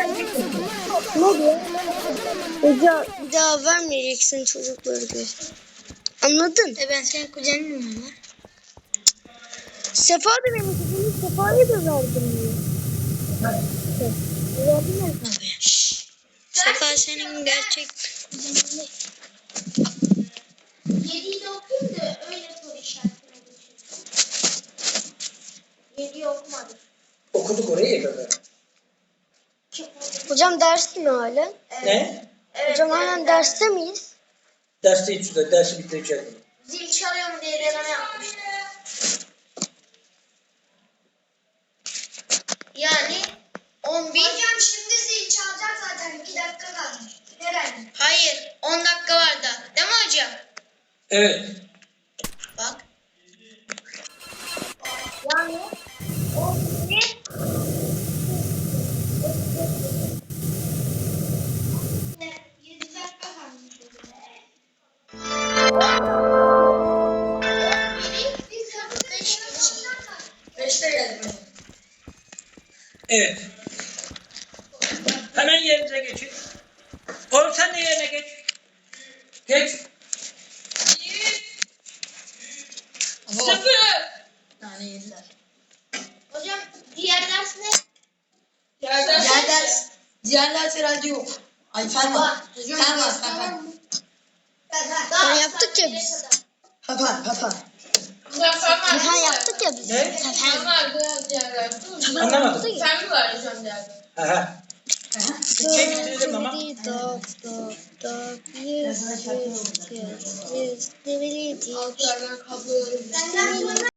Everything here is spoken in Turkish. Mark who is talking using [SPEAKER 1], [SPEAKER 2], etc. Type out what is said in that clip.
[SPEAKER 1] Ne diyor? Hoca bir daha vermeyeceksin çocukları diyor. Anladın?
[SPEAKER 2] Ben senin kuzenin mi var?
[SPEAKER 1] Sefa da benim kuzenim. Sefa'ya da verdim diyor. Verdim ya sana.
[SPEAKER 2] Sefa senin gerçek kuzenin değil.
[SPEAKER 3] 7'yi de okuyayım da öyle soru işaretine geçelim. 7'yi okumadım.
[SPEAKER 4] Okuduk orayı ya.
[SPEAKER 1] Hocam ders mi hala?
[SPEAKER 4] Ne?
[SPEAKER 3] Evet,
[SPEAKER 1] Hocam halen derste miyiz?
[SPEAKER 4] Dersteyiz şurada. Dersi bitireceğim.
[SPEAKER 3] Zil çalıyor mu diye deneme yapmıştım. Yani 11. Hocam şimdi zil çalacak zaten. 2 dakika kalmış. Herhalde.
[SPEAKER 2] Hayır, 10 dakika var da. Değil mi hocam?
[SPEAKER 4] Evet.
[SPEAKER 2] Bak.
[SPEAKER 3] Yani 11. Yedi dakika kalmış. Biz kapıda
[SPEAKER 2] 5'te geldim.
[SPEAKER 4] Evet. Hemen yerinize geçin. Oğlum sen de yerine geç. Geç. 0.
[SPEAKER 2] Yani yediler.
[SPEAKER 3] Hocam diğer ders ne?
[SPEAKER 2] Diğer ders herhalde yok. Ay fen var. Fen var.
[SPEAKER 1] Fen yaptık ya biz.
[SPEAKER 2] Fen.
[SPEAKER 1] Fen yaptık ya biz.
[SPEAKER 4] Ne?
[SPEAKER 1] Fen.
[SPEAKER 4] Anlamadım.
[SPEAKER 5] Sen mi var hocam derdi?
[SPEAKER 4] Aha. Türkçe bitirdim ama.
[SPEAKER 1] Dok dok dok yüz yüz yüz yüz yüz
[SPEAKER 5] Altlardan kabloları.